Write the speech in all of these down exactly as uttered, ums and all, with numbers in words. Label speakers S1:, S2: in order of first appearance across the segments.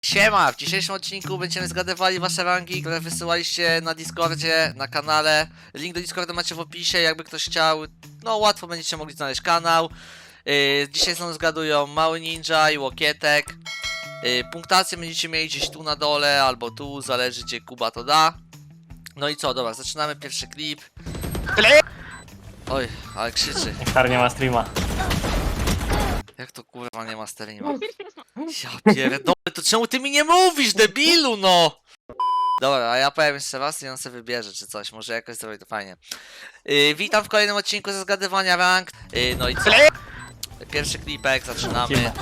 S1: Siema! W dzisiejszym odcinku będziemy zgadywali wasze rangi, które wysyłaliście na Discordzie, na kanale. Link do Discorda macie w opisie, jakby ktoś chciał. No łatwo będziecie mogli znaleźć kanał. Yy, dzisiaj są zgadują Mały Ninja i Łokietek. Yy, punktację będziecie mieli gdzieś tu na dole, albo tu, zależy gdzie Kuba to da. No i co, dobra, zaczynamy pierwszy klip. Oj, ale krzyczy.
S2: Nektar nie ma streama.
S1: Jak to kurwa nie ma streama? Ja pierdolę, to czemu ty mi nie mówisz, debilu, no! Dobra, a ja powiem jeszcze raz i on sobie wybierze czy coś, może jakoś zrobić to fajnie. Yy, witam w kolejnym odcinku ze zgadywania rank. Yy, no i co? Pierwszy klipek, zaczynamy.
S2: Lecimy.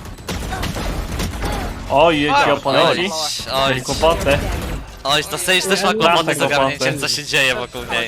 S2: Oj, jeśli oponenci.
S1: Oj,
S2: Mieli kłopoty.
S1: oj, to Sage też ma kłopoty z ogarnięciem, co się dzieje wokół niej.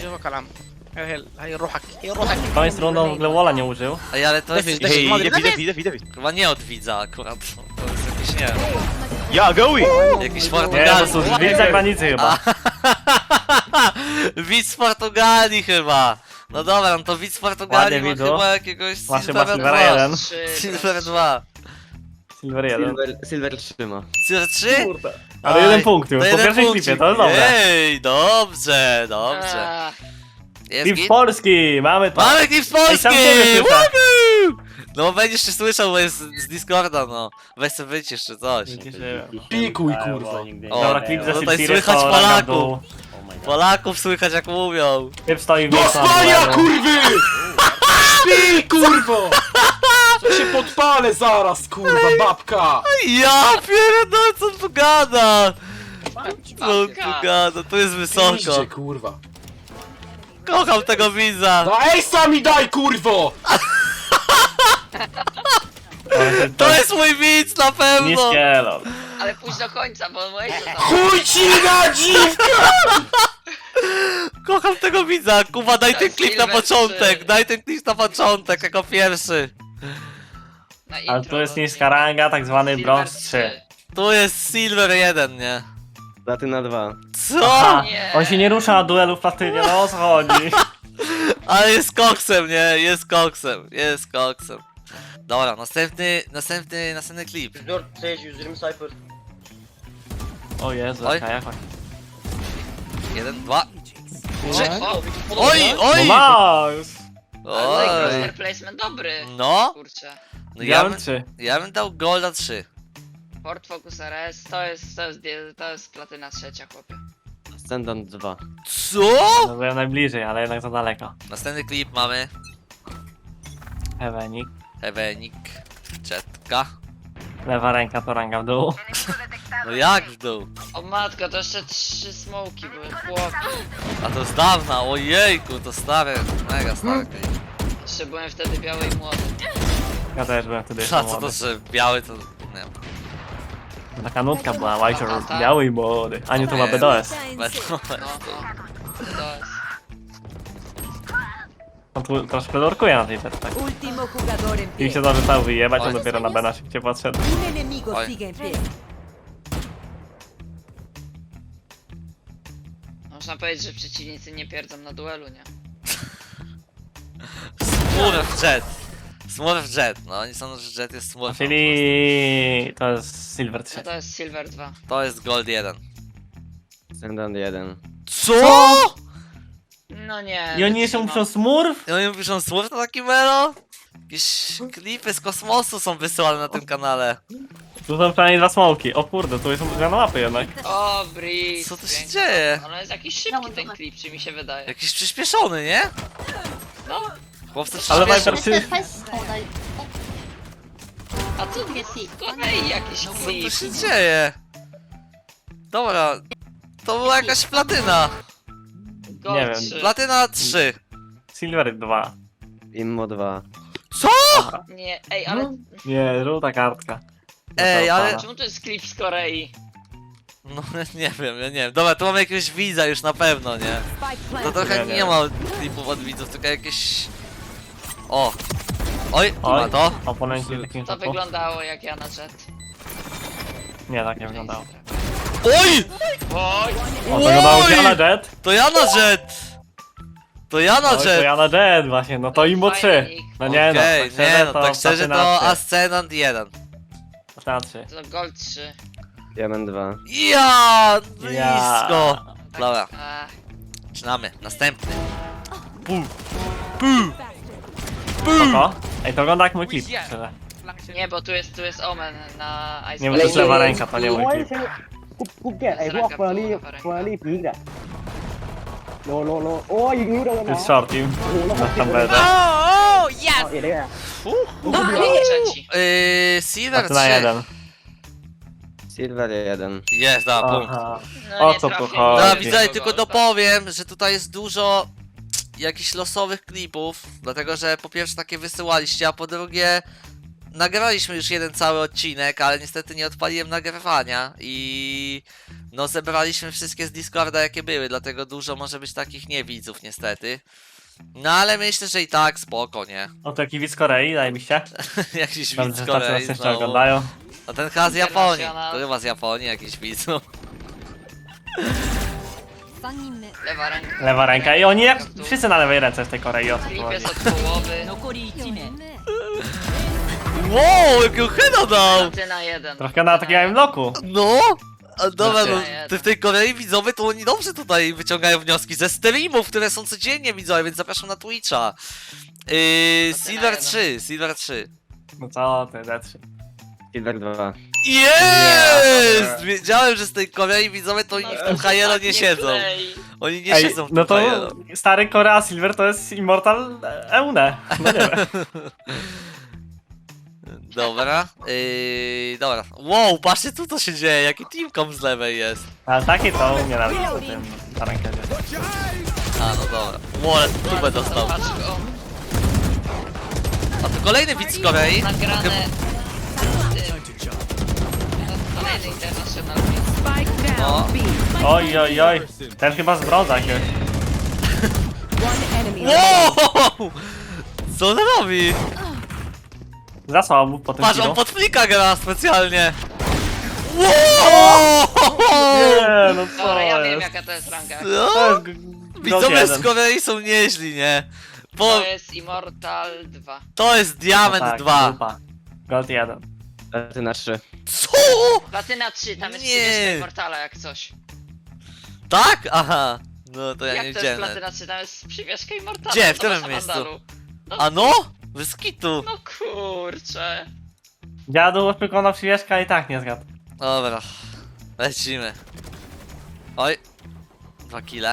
S2: Koniec rundą w ogóle Walla nie użył.
S1: Ej, ale to jest
S3: Hej, David, David, David, David.
S1: chyba nie od widza akurat. To jest jakiś, nie
S3: Ja, goły!
S1: jakiś
S2: Nie, to
S1: Portugalski.
S2: są drzwi zagranicy chyba.
S1: Widz z Portugalii chyba. No dobra, no to widz z Portugalii
S2: Ładnie,
S1: ma
S2: widzu.
S1: chyba jakiegoś
S2: Masz chyba
S1: Silvera
S2: Silvera
S1: dwa.
S2: jeden.
S1: Silver dwa.
S2: Silver jeden.
S3: Silver, Silver trzyma.
S1: Silver trzy?
S2: Ale
S1: Oj,
S2: jeden punkt już,
S1: to
S2: po
S1: jeden
S2: pierwszej
S1: punkcik.
S2: klipie, to jest dobre.
S1: Ej, dobrze, dobrze. Jest
S2: Klip z
S1: git?
S2: Polski, mamy to.
S1: Mamy klip z
S2: Ej, sam
S1: Polski!
S2: ciebie słyszę.
S1: Woohoo! No bo będziesz się słyszał, bo jest z Discorda, no. Weź sobie wycisz czy coś.
S4: Pikuj, kurwa.
S1: O,
S2: Dobra, klip ze
S1: tutaj
S2: Silvery
S1: słychać
S2: to ranga w
S1: Polaków.
S2: dół.
S1: Polaków słychać jak mówią.
S2: Typ stoi w miejscu na
S4: Dostania,
S2: duelu.
S4: kurwy! Śpi, kurwo! Ja się podpalę zaraz, kurwa, babka!
S1: Ja pierdolę, co on tu gada? Co on tu gada? Tu jest wysoko.
S4: Piździe, kurwa.
S1: Kocham tego widza.
S4: No ej, sami daj, kurwo!
S1: To jest mój widz na pewno.
S2: Niskie elo.
S5: Ale pójdź do końca, bo moje to tam.
S4: Chuj ci na dziwkę!
S1: Kocham tego widza. Kuba, daj
S5: To
S1: ten
S5: jest
S1: klip na
S5: Silver
S1: początek.
S5: trzy.
S1: Daj ten klip na początek jako pierwszy.
S5: Na
S2: Ale
S5: intro,
S2: tu jest
S5: no,
S2: niska ranga, tak zwany
S5: Silver
S2: brąz
S5: trzy.
S2: trzy.
S1: Tu jest Silver jeden, nie?
S3: Platyna dwa.
S1: Co?
S2: Aha,
S5: Nie.
S2: on się nie rusza na duelu w platynie, no o co chodzi?
S1: Ale jest koksem, nie? Jest koksem. Jest koksem. Dobra, następny, następny, następny klip.
S2: O Jezu,
S1: Oj.
S2: jaka jakość.
S1: Jeden, dwa.
S5: O,
S1: Oj, oj!
S2: No nice!
S5: ale
S1: Oj.
S5: roster placement dobry.
S1: No,
S5: Kurczę.
S1: no ja, bym,
S2: Diament trzy.
S1: ja bym dał Golda trzy.
S5: Ford Focus R S to jest, to jest, to jest platyna trzecia, chłopie.
S3: Ascendant dwa.
S1: Co?
S2: No byłem najbliżej, ale jednak za daleko.
S1: Następny klip mamy.
S2: Ewenik.
S1: Ewenik. Jetka.
S2: Lewa ręka to ranga w dół.
S1: No jak w dół?
S5: O matko, to jeszcze trzy smoki były, chłopie.
S1: A to z dawna, ojejku, to stare, mega stare klip.
S5: Jeszcze byłem wtedy biały i młody.
S2: Ja też byłem wtedy
S1: A
S2: jeszcze
S1: co to,
S2: młody.
S1: że biały to... nie wiem.
S2: Taka nutka była, Łajcior biały i młody. A nie, to ma B D S.
S1: Będą-
S5: No, no. To jest.
S2: On tu troszkę lorkuje na tej becie, tak.
S6: Último jugador en
S2: I
S6: pie.
S2: się dorzucał wyjebać,
S1: Oj.
S2: on dopiero na B na szybciej podszedł.
S6: Un enemigo
S1: Oj.
S6: sigue en pie.
S5: Można powiedzieć, że przeciwnicy nie pierdzą na duelu, nie?
S1: Smurf Jet. Smurf Jet, no oni sądzą, że Jet jest Smurf.
S2: Czyli to jest Silver trzy.
S5: No to jest Silver dwa.
S1: To jest Gold jeden.
S3: Ascendant jeden.
S1: Co?
S5: No nie.
S2: I oni jeszcze
S5: wytrzymam.
S2: muszą smurf?
S1: I oni piszą Smurf na taki melo? Jakieś klipy z kosmosu są wysyłane na tym kanale.
S2: Tu są przynajmniej dwa smoki. O kurde, tu są zmiana mapy jednak.
S5: O, Breeze.
S1: Co tu się
S5: pięknie.
S1: dzieje?
S5: Ale jest jakiś szybki ten klip, czy mi się wydaje.
S1: Jakiś przyspieszony, nie?
S5: No,
S1: Chłopcy
S2: Ale
S1: przyspieszony.
S2: Viper się...
S5: a co tu jest? Kolej jakiś
S1: Co tu
S5: klip.
S1: się dzieje? Dobra, to była jakaś platyna.
S5: Gold
S2: Nie wiem.
S5: trzy.
S1: Platyna trzy.
S2: Silver dwa.
S3: Immo dwa.
S1: Co?
S5: Nie, ej, ale
S2: Nie, żółta kartka.
S1: Ej, ale-
S2: Została
S5: czemu to jest klip z Korei?
S1: No nie wiem, ja nie wiem. Dobra, tu mamy jakiegoś widza już na pewno, nie?
S6: Spike
S1: To
S6: planted.
S1: trochę
S2: Nie,
S1: nie,
S2: nie.
S1: ma klipów od widzów, tylko jakieś... O! Oj,
S2: Oj,
S1: ma to?
S2: oponenci w takim
S5: To
S2: szoku.
S5: wyglądało jak ja na jet.
S2: Nie, tak nie wyglądało.
S1: Oj!
S5: Oj,
S2: O, to wyglądało
S1: Oj!
S2: jak ja na Jet.
S1: To ja na jet! To ja na
S2: Oj, to
S1: jet!
S2: ja na Jet właśnie, no to Imbo trzy. No nie no,
S1: Okej,
S2: tak
S1: nie
S2: szczerze
S1: no,
S2: to
S1: tak szczerze
S2: Platyna
S1: to
S2: trzy.
S1: Ascendant jeden.
S2: Platyna trzy.
S5: to Gold trzy.
S3: Diament dwa.
S1: Ja, blisko.
S2: Ja.
S1: Dobra,
S5: Ach,
S1: zaczynamy. Następny. Pu. Pu.
S2: Spoko. Ej, to wygląda jak mój klip. szczerze.
S5: nie, bo tu jest, tu jest Omen na Ice
S2: Nie, bo to jest lewa ręka, to nie mój
S6: โอ้ย
S2: klip.
S6: ใช่กูกูเกลียดไอ้พวกเฟอร์รี่เฟอร์รี่พีกอะโลโลโลโอ้ยยิงรู้โดน
S2: To
S6: นะ
S2: jest short team. Na tam będę.
S1: O,
S6: เอา
S1: yes!
S6: เอ็ดได้ไง
S5: Drugi, trzeci.
S1: Yy, Silver
S2: A ty na
S1: trzy.
S2: jeden.
S3: Silver jeden.
S1: Jest, da, punkt.
S2: Aha.
S5: No,
S2: O
S5: nie
S2: co tu
S5: trafię,
S2: chodzi?
S5: nie
S1: No
S2: Oj,
S5: wiem,
S1: widzę,
S5: kogo,
S1: tylko
S5: ale-
S1: dopowiem, że tutaj jest dużo jakichś losowych klipów, dlatego że po pierwsze takie wysyłaliście, a po drugie nagraliśmy już jeden cały odcinek, ale niestety nie odpaliłem nagrywania i no zebraliśmy wszystkie z Discorda jakie były, dlatego dużo może być takich niewidzów niestety. No ale myślę, że i tak spoko, nie?
S2: O, to jaki widz Korei, daj mi się.
S1: Jakiś
S2: Dobrze,
S1: widz
S2: że
S1: z
S2: tacy
S1: Korei
S2: nas jeszcze
S1: znowu.
S2: oglądają.
S1: A ten chyba z Japonii,
S5: International.
S1: to chyba z Japonii jakiś widzów.
S5: Lewa ręka.
S2: Lewa ręka. I oni jak wszyscy na lewej ręce w tej Korei. O co tu
S5: Klip
S2: chodzi?
S5: jest od połowy.
S1: Wow, jakiego heada dał!
S5: Platyna jeden.
S2: Trochę na takim bloku.
S1: No! A dobra, no,
S5: Znaczy-
S1: ty w tej Korei widzowie to oni dobrze tutaj wyciągają wnioski ze streamów, które są codziennie widzowie, więc zapraszam na Twitcha. Yy,
S5: To ty na
S1: Silver
S5: jeden.
S1: trzy, Silver trzy.
S2: No co ty, D trzy.
S3: Silver dwa.
S1: Jest! Wiedziałem, że z tej Korei widzowie to oni w tym Hajelo nie siedzą.
S5: klei.
S1: Oni nie
S2: Ej,
S1: siedzą w tym
S2: no to
S1: Hajelo.
S2: stary Korea Silver to jest Immortal Eune. No nie wiem.
S1: Dobra, yy, dobra. Wow, patrzcie tu co się dzieje, jaki teamcom z lewej jest.
S2: Ale takie to nienawidzę w tym na rankedzie.
S1: A, no dobra. Wow, ale tubę dostał.
S5: Patrz go.
S1: A to kolejny widz z Korei.
S5: Nagrane. Tym. No, kolejny international.
S1: No.
S2: Oj, oj, oj. Ten chyba z brąza jakiegoś.
S1: Wow! Co on robi?
S2: Za słabo po tym
S1: Patrz, on
S2: killu.
S1: pod flika gra specjalnie. Wow!
S2: Nie, no co
S5: Dobra, ja wiem
S2: jest?
S5: jaka to jest ranka.
S2: To
S1: Co?
S2: jest g- gold
S1: Widzowie z
S2: jeden.
S1: Korei są nieźli, nie? Bo
S5: To jest Immortal dwa.
S1: to jest Diament
S2: No tak,
S1: dwa.
S2: dupa. Gold jeden.
S3: Platyna trzy.
S1: Co?
S5: Platyna trzy, tam jest
S1: Nie.
S5: przywieszka Immortala jak coś.
S1: Tak? Aha. No to ja nie
S5: Jak to jest
S1: widziałem.
S5: Platyna trzy, tam jest przywieszka Immortala.
S1: Gdzie? W
S5: zobacz
S1: którym
S5: na
S1: miejscu?
S5: mandalu.
S1: A no? Bez kitu.
S5: No kurczę.
S2: Dziadu wykonał przywieszka i tak nie zgadł.
S1: Dobra. Lecimy. Oj. Dwa kile.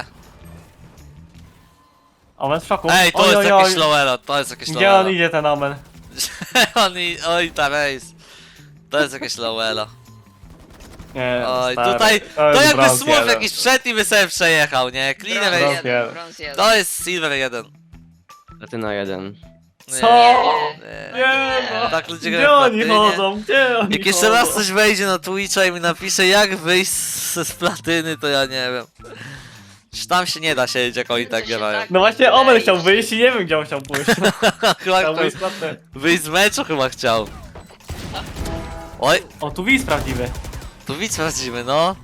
S2: Omen w szoku.
S1: Ej, to
S2: Oj,
S1: jest
S2: oj,
S1: jakieś
S2: oj.
S1: lowelo, to jest jakieś
S2: Gdzie on
S1: lowelo.
S2: idzie ten Omen?
S1: On i... Oj, ta race. To jest jakieś lowelo.
S2: Nie,
S1: Oj,
S2: stary.
S1: tutaj...
S2: To
S1: To
S2: jest
S1: jakby
S2: brąz
S1: smurf
S2: jeden.
S1: jakiś wszedł i by sobie przejechał, nie?
S5: Brąz
S1: Cleaner
S2: Brąz
S1: jest...
S5: jeden,
S2: jeden.
S5: brąz jeden.
S1: To jest Silver jeden.
S3: Platyna jeden.
S2: Co?
S1: Nie.
S2: Nie no.
S1: Tak ludzie
S2: Gdzie
S1: grają w
S2: oni
S1: platynie.
S2: chodzą? Gdzie oni
S1: Jak jeszcze
S2: chodzą?
S1: raz coś wejdzie na Twitcha i mi napisze jak wyjść z, z platyny, to ja nie wiem. Czy tam się nie da siedzieć jak oni tak
S5: To się
S1: grają.
S5: tak-
S2: No właśnie Omen chciał wyjść i nie wiem gdzie on chciał pójść.
S1: Chyba
S2: Chciał
S1: chciał
S2: wyjść na ten.
S1: wyjść z meczu chyba chciał. Oj,
S2: O, tu widz prawdziwy.
S1: tu widz sprawdzimy, no.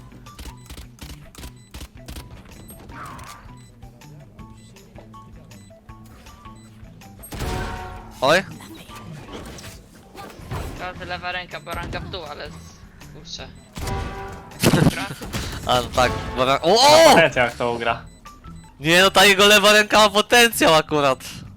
S1: Oj,
S5: To lewa ręka, bo ranka w dół, ale... Kurczę.
S1: a no tak, bo... O,
S2: O!
S1: o!
S2: jak to ugra.
S1: Nie no, ta jego lewa ręka ma potencjał akurat.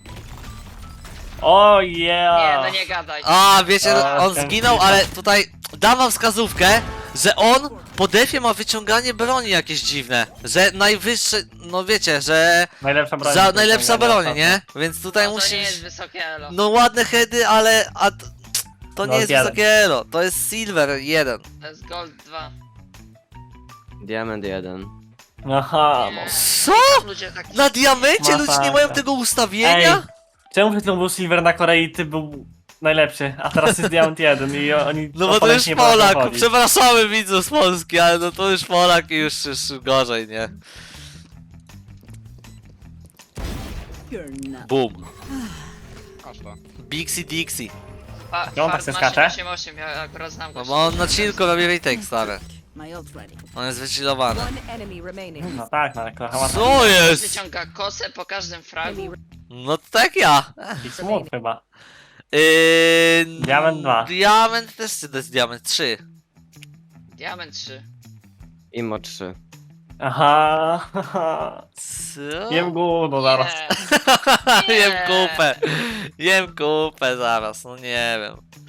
S2: O
S5: Nie,
S2: yeah!
S5: no nie gadaj.
S1: A, wiecie,
S2: A,
S1: on
S2: ten
S1: zginął,
S2: klipa.
S1: ale tutaj dam wam wskazówkę, że on po defie ma wyciąganie broni jakieś dziwne. Że najwyższe, no wiecie, że
S2: Najlepsza broń.
S1: za najlepsza
S2: Wyciągania
S1: broń, nie? Więc tutaj
S5: No, to nie
S1: musisz...
S5: jest wysokie elo.
S1: No ładne heady, ale... A, t- to nie
S2: Gold
S1: jest
S2: jeden.
S1: wysokie elo, to jest Silver jeden.
S5: To jest Gold dwa.
S3: Diament jeden.
S2: Aha, no.
S1: Co?
S5: Ludzie tak...
S1: Na diamencie ludzie nie mają
S2: Masakra.
S1: tego ustawienia?
S2: Ej, czemu przed chwilą był Silver na Korei, ty był najlepszy, a teraz jest Diamond jeden i oni...
S1: No bo to
S2: oponenci
S1: już
S2: nie potrafią
S1: Polak,
S2: chodzić.
S1: przepraszamy widzów z Polski, ale no to już Polak i już, już gorzej, nie? Boom. Bixie Dixie.
S5: Pa,
S2: Gdzie on tak
S5: Fart
S2: se
S5: ma
S2: skacze?
S5: osiem osiem, ja akurat znam go.
S1: No bo on na chillku robi retake stary.
S7: My ult's ready.
S1: On jest wychillowany.
S7: One enemy remaining.
S2: No tak, no ale kochała
S1: Co jest?
S5: Wyciąga kosę po każdym fragu.
S1: No tak ja.
S2: i smut chyba.
S1: Yy,
S2: Diament dwa.
S1: Diament też czy to jest Diament trzy.
S5: Diament trzy.
S3: Imo trzy.
S2: Aha, haha.
S1: Co?
S2: Jem gówno zaraz.
S5: Nie.
S1: Jem
S5: Nie.
S1: kupę. Jem kupę zaraz, no nie wiem.